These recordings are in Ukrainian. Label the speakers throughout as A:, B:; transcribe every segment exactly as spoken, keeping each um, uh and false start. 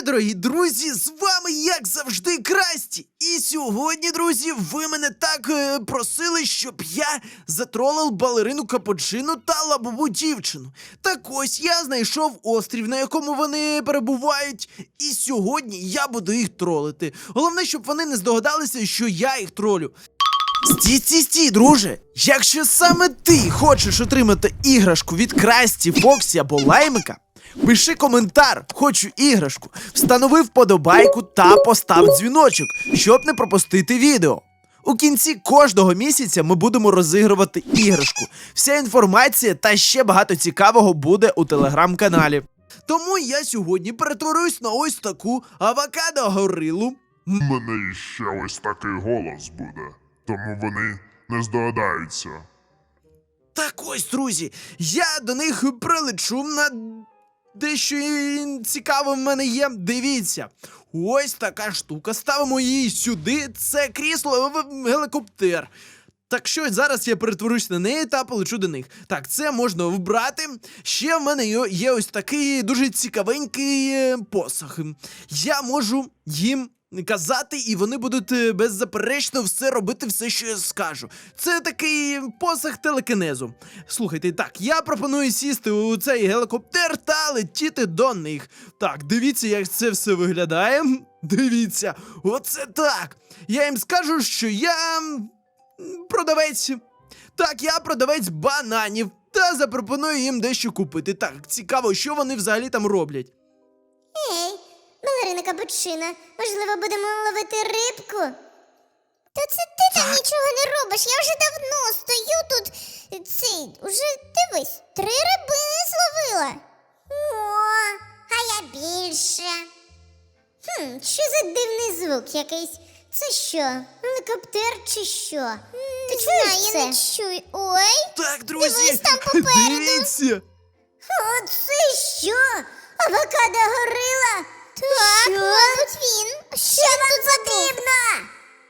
A: Привіт, дорогі друзі! З вами, як завжди, Красті! І сьогодні, друзі, ви мене так е, просили, щоб я затролив балерину Капучино та лабубу дівчину. Так ось, я знайшов острів, на якому вони перебувають, і сьогодні я буду їх тролити. Головне, щоб вони не здогадалися, що я їх тролю. Стій, стій, стій, друже! Якщо саме ти хочеш отримати іграшку від Красті, Фоксі або Лаймика, пиши коментар, хочу іграшку, встанови вподобайку та постав дзвіночок, щоб не пропустити відео. У кінці кожного місяця ми будемо розігрувати іграшку. Вся інформація та ще багато цікавого буде у телеграм-каналі. Тому я сьогодні перетворюсь на ось таку авокадо-горилу.
B: У мене ще ось такий голос буде, тому вони не здогадаються.
A: Так ось, друзі, я до них прилечу на дещо цікаве в мене є. Дивіться, ось така штука. Ставимо її сюди. Це крісло в гелікоптер. Так що зараз я перетворюсь на неї та полечу до них. Так, це можна вбрати. Ще в мене є ось такий дуже цікавенький посох. Я можу їм казати, і вони будуть беззаперечно все робити, все, що я скажу. Це такий посох телекінезу. Слухайте, так, я пропоную сісти у цей гелікоптер та летіти до них. Так, дивіться, як це все виглядає. Дивіться, оце так. Я їм скажу, що я продавець. Так, я продавець бананів. Та запропоную їм дещо купити. Так, цікаво, що вони взагалі там роблять.
C: Ей, балерина Капучино, можливо, будемо ловити рибку? Та це ти там нічого не робиш, я вже давно стою тут. Цей, уже дивись, три рибини зловила. О, а я більше. Хм, що за дивний звук якийсь? Це що, гелікоптер чи що? Ти чуєш це? Я не чую. Ой,
A: Так, друзі,
C: дивись там попереду.
A: дивіться.
C: О, це що? Авокадо-горила? Так, що? Мабуть, він. Що вам потрібно?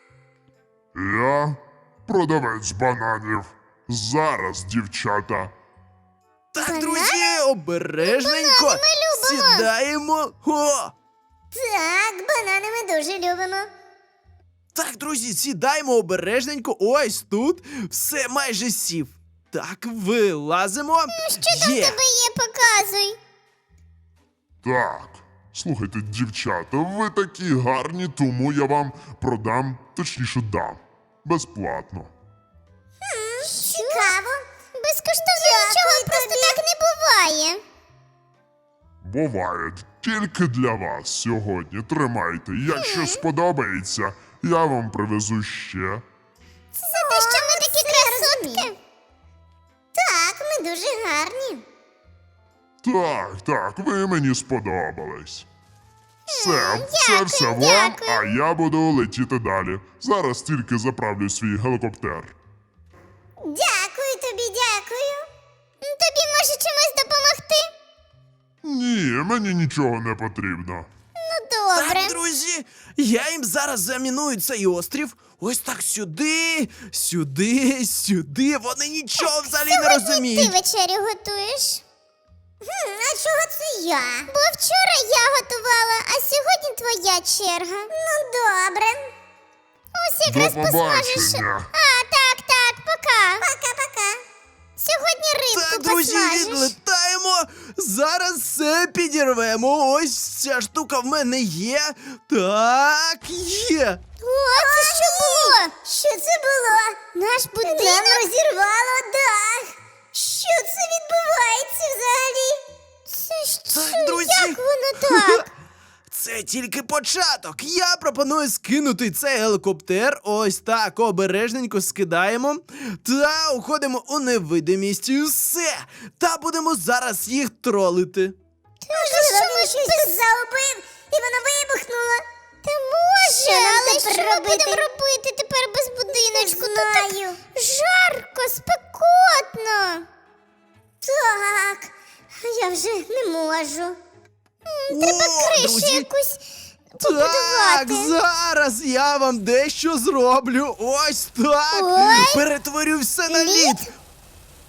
B: Я продавець бананів. Зараз, дівчата.
A: Так,
C: Банан?
A: друзі, обережненько.
C: Банани ми любимо.
A: Сідаємо. О!
C: Так, банани ми дуже любимо.
A: Так, друзі, сідаємо обережненько. Ось тут все майже сів. Так, вилазимо.
C: Що там в
A: Є.
C: тебе є, показуй.
B: Так, слухайте, дівчата, ви такі гарні, тому я вам продам, точніше дам. Безплатно.
C: Цікаво. Безкоштовно нічого просто так не буває.
B: Буває тільки для вас сьогодні. Тримайте. Якщо сподобається, я вам привезу ще.
C: Це за те, що ми такі красотки. Так, ми дуже гарні.
B: Так, так, ви мені сподобались. Все, це
C: дякую,
B: все вам,
C: дякую.
B: а я буду летіти далі. Зараз тільки заправлю свій гелікоптер.
C: Дякую тобі, дякую. Тобі може чимось допомогти?
B: Ні, мені нічого не потрібно.
C: Ну, добре.
A: Так, друзі, я їм зараз заміную цей острів. Ось так сюди, сюди, сюди. Вони нічого взагалі не
C: Сьогодні
A: розуміють.
C: ти вечерю готуєш? Хм, а чого це я? Бо вчора я готувала, а сьогодні твоя черга. Ну, добре. Ось якраз
B: До
C: посмажеш.
B: побачення.
C: А, так, так, пока. Пока-пока. Сьогодні рибку
A: Так, друзі,
C: посмажеш.
A: відлетаємо. Зараз все підірвемо. Ось ця штука в мене є. Так, є.
C: О, це що було? Що це було? Наш будинок? Нам розірвало дах. Що це відбувається взагалі? Це що?
A: Так, друзі.
C: Як воно так?
A: Це тільки початок. Я пропоную скинути цей гелікоптер. Ось так, обережненько скидаємо. Та уходимо у невидимість. І все. Та будемо зараз їх тролити.
C: Можливо, він щось тут загубив, і воно вибухнуло. Та може, але що ми будемо робити тепер без будиночку? Не знаю. Тут так жарко, спекотно. Так, я вже не можу. М, Треба
A: О,
C: кришу
A: друзі.
C: якусь
A: Так,
C: побудувати.
A: зараз я вам дещо зроблю. Ось так.
C: Ой.
A: Перетворю все на
C: Лід?
A: лід.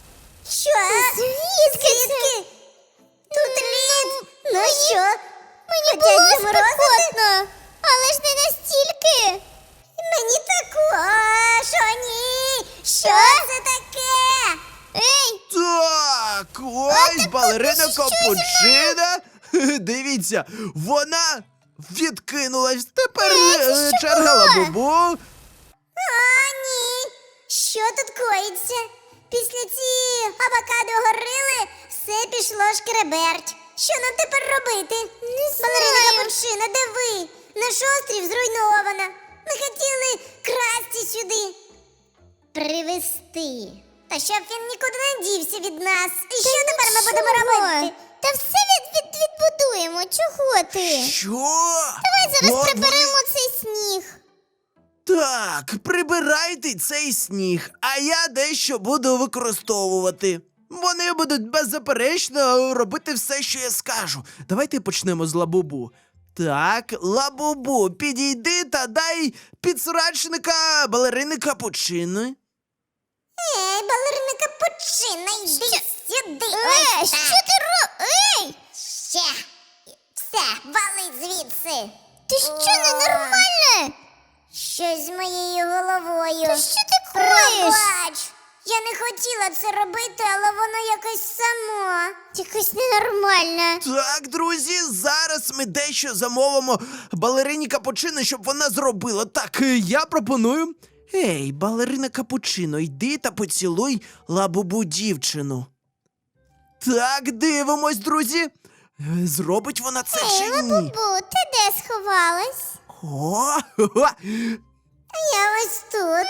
C: Що? Звідки це? Тут лід? Ну що? Мені було спекотно, але ж не настільки. Мені також, о ні! Що це таке? Ей!
A: Так, ось балерина Капучина. Дивіться, вона відкинулась. Тепер е, черга Лабубу.
C: О, ні! Що тут коїться? Після цієї авокадо горили все пішло шкереберть. Що нам тепер робити? Не знаю. Балерина Капучина, де ви? Наш острів зруйновано. Ми хотіли красти сюди. Привезти. Та щоб він нікуди не дівся від нас. І що тепер ми будемо робити? Та все від, від, відбудуємо. Чого ти?
A: Що?
C: Давай зараз
A: От
C: приберемо
A: вони-
C: цей сніг.
A: Так, прибирайте цей сніг, а я дещо буду використовувати. Вони будуть беззаперечно робити все, що я скажу. Давайте почнемо з Лабубу. Так, Лабубу, підійди та дай підсрачника балерини Капучини.
C: Ей, балерина Капучина, йди сюди. Ей, що ти робиш? Ей! Ще. Все, вали звідси. Ти що, ненормальна? Щось з моєю головою. Та що ти коїш? Пробач. Я не хотіла це робити, але воно якось само. Якось ненормальне.
A: Так, друзі, зараз ми дещо замовимо балерині Капучино, щоб вона зробила. Так, е, я пропоную. Ей, балерина Капучино, йди та поцілуй Лабубу дівчину. Так, дивимось, друзі. Е, Зробить вона це
C: Ей,
A: чи ні?
C: Лабубу, ти де сховалась?
A: О, хо-хо.
C: Я ось тут.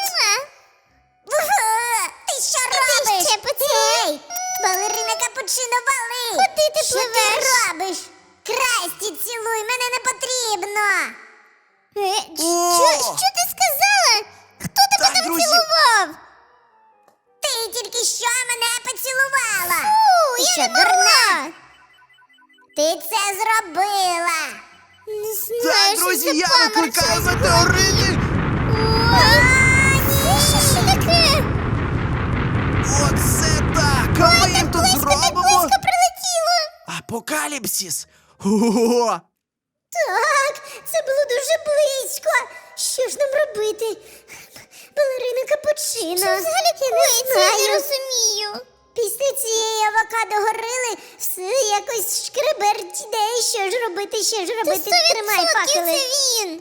C: Ти що робиш? Ще Ей, балерина Капучино, вали! Куди ти що пливеш? Що ти робиш? Красті, цілуй, мене не потрібно. Е,
A: О!
C: що, що ти сказала? Хто тебе
A: Так,
C: там
A: друзі.
C: цілував? Ти тільки що мене поцілувала. Фу, ти
A: Ну,
C: що, дурна? Ти це зробила. Не знаю,
A: Так,
C: що
A: друзі,
C: це
A: я
C: паморочилось
A: викликаю
C: в голові.
A: метеорити.
C: А, ні, що ж таке?
A: Оце так, а ми їм тут
C: Близько, так
A: зробимо
C: близько прилетіло.
A: апокаліпсис. Ого!
C: Так, це було дуже близько. Що ж нам робити? Балерина Капучино. Що взагалі коїться? Я не розумію. Після цієї авокадо горили, все якось шкреберть іде. Що ж робити, що ж робити? Тримай факели. Це він.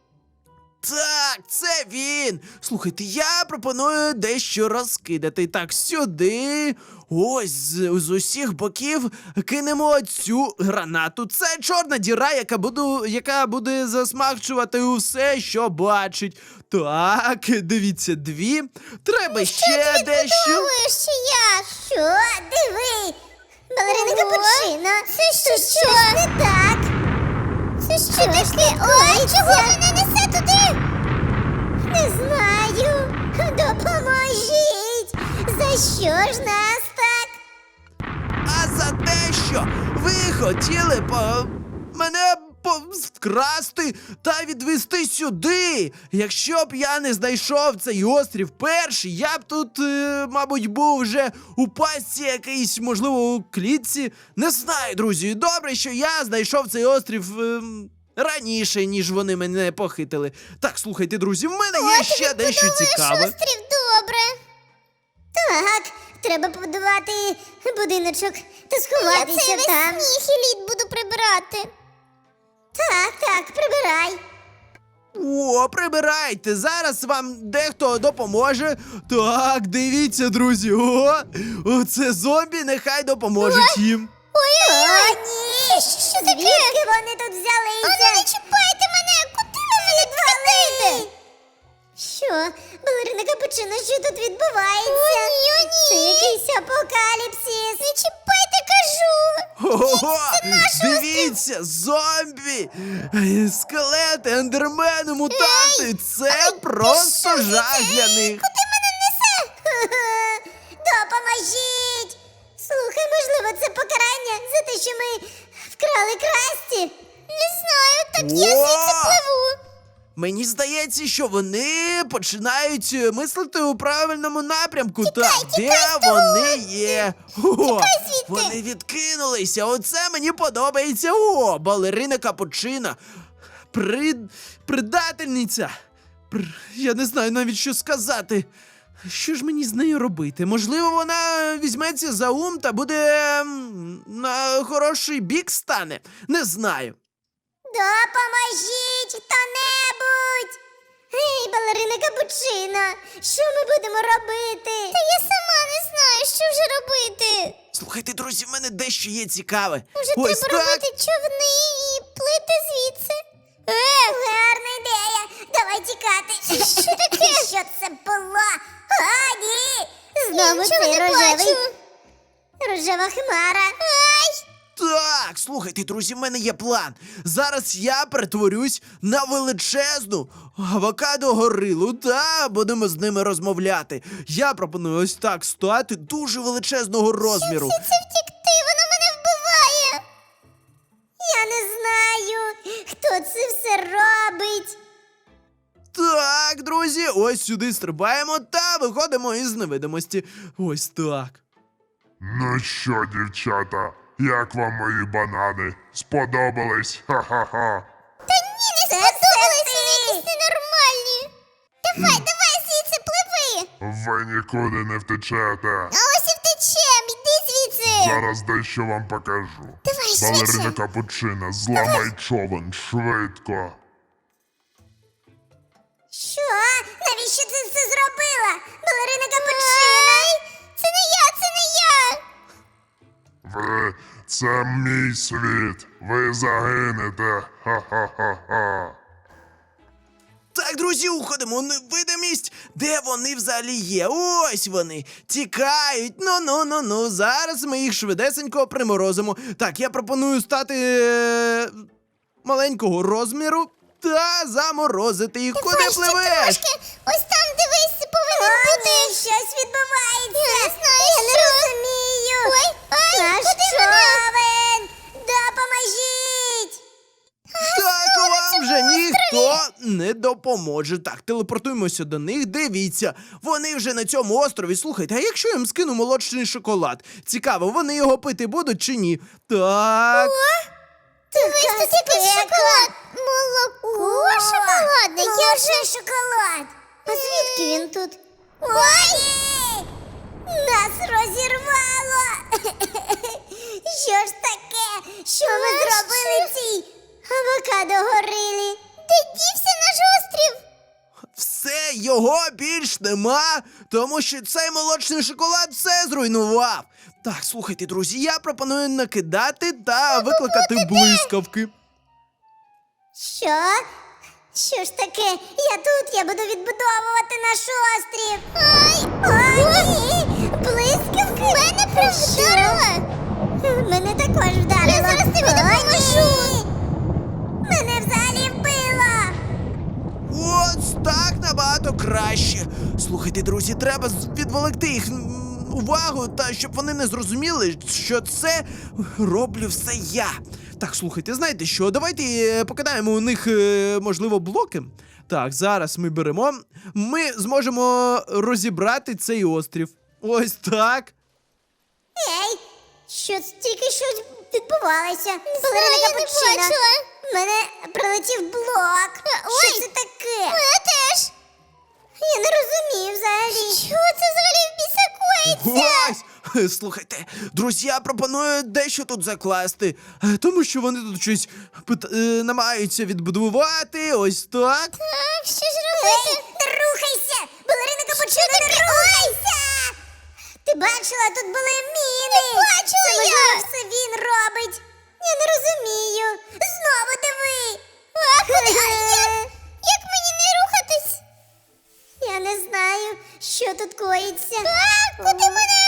A: Так, це він. Слухайте, я пропоную дещо розкидати. Так, сюди. Ось з, з усіх боків кинемо цю гранату. Це чорна діра, яка буду, яка буде засмагчувати усе, що бачить. Так, дивіться, дві. Треба ще дещо.
C: Ще як? Що? Диви. Балерина Капучино. Це що? Щось не так. Це що таке? Ой, чого мене несе туди? Не знаю. Допоможіть. За що ж нас так?
A: А за те, що ви хотіли по... мене по... вкрасти та відвести сюди. Якщо б я не знайшов цей острів перший, я б тут, е, мабуть, був вже у пастці якийсь, можливо, у клітці. Не знаю, друзі. Добре, що я знайшов цей острів е, раніше, ніж вони мене похитили. Так, слухайте, друзі, в мене є ще дещо цікаве.
C: Острів, добре. Так, треба побудувати будиночок та сховатися там. Я цей сніг і лід буду прибирати. Так, так, прибирай.
A: О, прибирайте! Зараз вам дехто допоможе. Так, дивіться, друзі. О, оце зомбі, нехай допоможуть їм.
C: Ой-ой-ой! О, ні! Що таке? Звідки вони тут взялися? Ану, не чіпайте мене! Куди ви мене відвалите? Що? Балерина Капучино, що тут відбувається? О, ні, о, ні! Це якийсь апокаліпсис! Не чіпайте, кажу!
A: Ого! Дивіться, зомбі! Е, Скелети, ендермени, мутанти! Це просто жах для них.
C: Куди мене несе? Допоможіть! Слухай, можливо, це покарання за те, що ми вкрали Красті? Не знаю, так я
A: О!
C: звідси пливу.
A: Мені здається, що вони починають е, мислити у правильному напрямку. Так, де вони є? О, вони відкинулися. Оце мені подобається. О, балерина Капучина. При... Предательниця. Пр... Я не знаю навіть, що сказати. Що ж мені з нею робити? Можливо, вона візьметься за ум та буде м, на хороший бік стане? Не знаю.
C: Допоможіть хто-небудь! Гей, балерина Капучина, що ми будемо робити? Та я сама не знаю, що вже робити.
A: Слухайте, друзі, в мене дещо є цікаве.
C: Може,
A: Ось
C: треба
A: так.
C: робити човни і плити звідси? Е, гарна ідея. Давай тікати. Що таке? Що це було? А, ні! Знову цей рожевий. Рожева хмара. Ай!
A: Так, слухайте, друзі, в мене є план. Зараз я перетворюсь на величезну авокадо-горилу та будемо з ними розмовляти. Я пропоную ось так стати дуже величезного розміру.
C: Це втікти, воно мене вбиває. Я не знаю, хто це все робить.
A: Так, друзі, ось сюди стрибаємо та виходимо із невидимості. Ось так.
B: Ну що, дівчата, як вам мої банани? Сподобались? Ха-ха-ха.
C: Ні, не сподобались, вони якісь ненормальні. Давай, давай, звідси пливи.
B: Ви нікуди не втечете.
C: А ось і втечем, іди звідси.
B: Зараз дещо вам покажу.
C: Давай,
B: Балерина
C: швидше.
B: Капучина, зламай човен, швидко.
C: Що? Навіщо ти це зробила? Балерина Капучина? Це не я, це не я.
B: Ви, це мій світ. Ви загинете. Ха-ха-ха-ха.
A: Так, друзі, уходимо у невидимість. Де вони взагалі є? Ось вони. Тікають. Ну-ну-ну-ну. Зараз ми їх швидесенько приморозимо. Так, я пропоную стати е- маленького розміру та заморозити їх. Куди
C: Давай ще
A: пливеш?
C: трошки. Ось там, дивись, повинен бути. Щось відбувається. Я не знаю, я не розумію. Ой, ой, Наш куди човен. Допоможіть.
A: Так, вам вже ніхто не допоможе. Так, телепортуємося до них. Дивіться, вони вже на цьому острові. Слухайте, а якщо я їм скину молочний шоколад? Цікаво, вони його пити будуть чи ні? Так.
C: Дивись, тут якийсь шоколад. Молоко шоколадне. Я вже шоколад. А звідки він тут? Ой! Нас розірвало. Що ж таке? Що ми зробили цій авокадо-горилі? Де дівся наш острів?
A: Все, його більш нема, тому що цей молочний шоколад все зруйнував. Так, слухайте, друзі, я пропоную накидати та викликати блискавки.
C: Що? Що ж таке? Я тут, я буду відбудовувати наш острів. Ай! Ой, ні! Блискавки! Мене прям вдарило! Мене також вдарило. Я зараз тобі допоможу! Мене взагалі вбило!
A: Ось так набагато краще. Слухайте, друзі, треба з- відволікти їх м, увагу, та щоб вони не зрозуміли, що це роблю все я. Так, слухайте, знаєте що? Давайте е, покидаємо у них, е, можливо, блоки. Так, зараз ми беремо. Ми зможемо розібрати цей острів. Ось так.
C: Ей! Що це тільки щось відбувалося? Балерина Капучина. В мене прилетів блок. Ой, що це таке? Мене теж. Я не розумію взагалі. Що це взагалі в біса коїться?
A: Ось! Слухайте, друзі, я пропоную дещо тут закласти, е, тому що вони тут щось пит- е, намагаються відбудувати, ось так.
C: Так, що ж робити? Ей, не рухайся! Балерина Капучина, не рухайся! Ти бачила, тут були міни! Не бачила це, можливо, я! Все він робить! Я не розумію! Знову диви! А куди? А як? Як мені не рухатись? Я не знаю, що тут коїться. А, куди мене?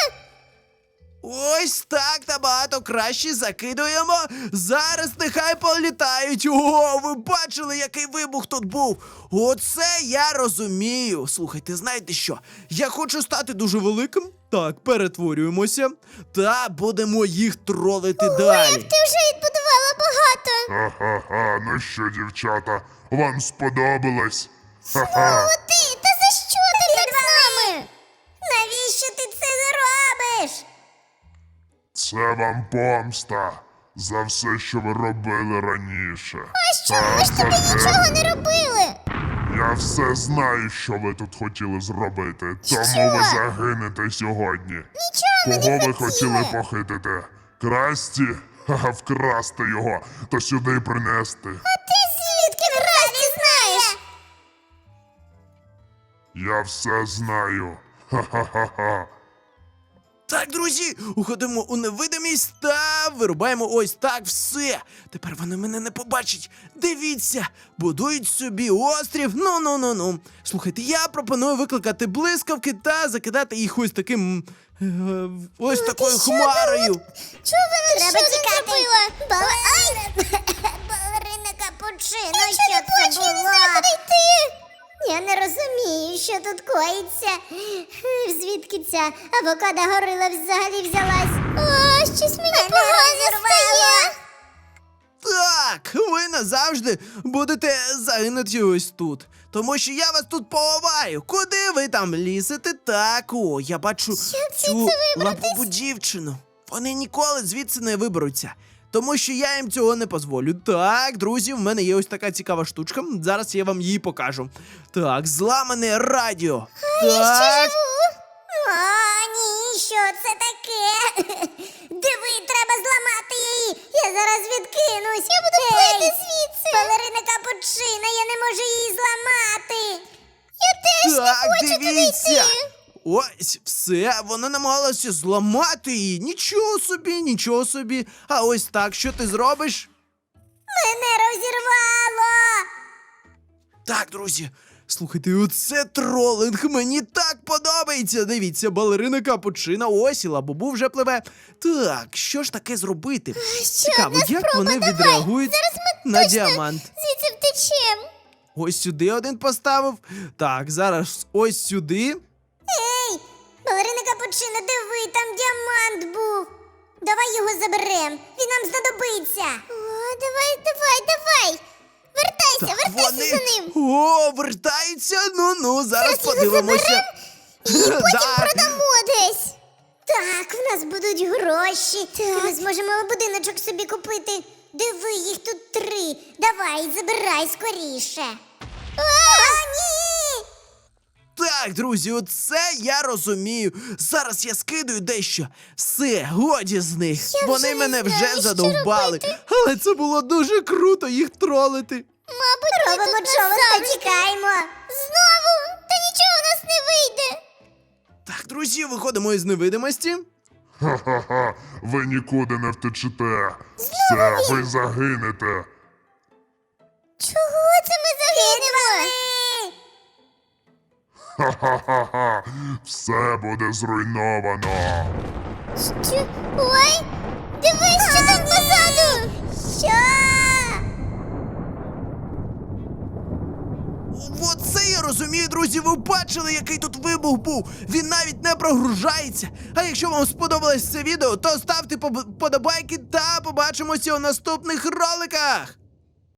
A: Ось так набагато краще закидуємо. Зараз нехай політають. О, ви бачили, який вибух тут був? Оце я розумію. Слухайте, знаєте що? Я хочу стати дуже великим. Так, перетворюємося та будемо їх тролити далі.
C: Ти вже відбудувала багато.
B: Ха-ха-ха, ну що, дівчата, вам сподобалось? Ха-ха.
C: О, ти, та за що ти так з нами? Навіщо ти це робиш?
B: Це вам помста за все, що ви робили раніше.
C: А що, ми ж тобі нічого не робили.
B: Я все знаю, що ви тут хотіли зробити, тому
C: Що?
B: ви загинете сьогодні.
C: Нічого ми
B: Кого
C: не
B: ви
C: хотіли.
B: хотіли похитити? Красті? Ха-ха, вкрасти його та сюди принести.
C: А ти звідки вкрасти знаєш?
B: Я все знаю. Ха-ха-ха-ха.
A: Так, друзі, уходимо у невидимість та вирубаємо ось так все. Тепер вони мене не побачать. Дивіться, будують собі острів. Ну-ну-ну-ну. Слухайте, я пропоную викликати блискавки та закидати їх ось таким. е, ось такою
C: що
A: хмарою.
C: Чого вона треба що тікати? Зробила? Балерина Капучино,
D: Я
C: що
D: не
C: це
D: плачу, я не
C: було?
D: знаю, куди йти.
C: Я не розумію, що тут коїться. Звідки ця авокадо горила взагалі взялась?
D: О, щось мені погано стає.
A: Так, ви назавжди будете загинути ось тут. Тому що я вас тут поховаю. Куди ви там лізете? Так, о, я бачу цю лапу дівчину. Вони ніколи звідси не виберуться. Тому що я їм цього не дозволю. Так, друзі, в мене є ось така цікава штучка. Зараз я вам її покажу. Так, зламане радіо. Так.
C: О, ні, що це таке? Диви, треба зламати її. Я зараз відкинусь. Я буду
D: плити звідси.
C: Балерина Капучино, я не можу її зламати.
D: Я теж не
A: Так,
D: хочу туди
A: дивіться.
D: йти.
A: Ось, все, вона намагалася зламати її. Нічого собі, нічого собі. А ось так, що ти зробиш?
C: Мене розірвало.
A: Так, друзі, слухайте, оце тролинг, мені так подобається. Дивіться, балерина Капучино, ось і Лабубу вже пливе. Так, що ж таке зробити? Цікаво,
D: одна
A: як
D: спроба,
A: вони
D: давай.
A: відреагують
D: Зараз ми
A: на
D: точно
A: діамант.
D: звідси втечем.
A: Ось сюди один поставив. Так, зараз ось сюди.
C: Ей, балерина Капучино, диви, там діамант був. Давай його заберем, він нам знадобиться.
D: О, давай, давай, давай. Вертайся,
A: Так,
D: вертайся
A: вони...
D: за ним.
A: О, вертаються. Ну-ну, зараз
D: Зараз його
A: подивимося.
D: І потім
A: Так.
D: продамо десь.
C: Так, в нас будуть гроші. І ми зможемо будиночок собі купити. Диви, їх тут три. Давай, забирай скоріше. О, ні!
A: Так, друзі, оце я розумію. Зараз я скидаю дещо. Все, годі з них.
D: Я
A: Вони
D: вже не
A: мене
D: знаю,
A: вже
D: що
A: задовбали.
D: робити.
A: Але це було дуже круто їх тролити.
D: Мабуть, ми
C: Робимо
D: тут
C: човен та
D: назавжди.
C: тікаємо.
D: Знову? Та нічого у нас не вийде.
A: Так, друзі, виходимо із невидимості.
B: Ха-ха-ха, ви нікуди не втечете. Все, ви загинете.
D: Чого це ми загинемо?
B: Ха-ха-ха-ха, все буде зруйновано.
D: Що? Ой, дивись, що там позаду.
C: Що?
A: Оце я розумію, друзі. Ви бачили, який тут вибух був. Він навіть не прогружається. А якщо вам сподобалось це відео, то ставте поб- подобайки та побачимося у наступних роликах.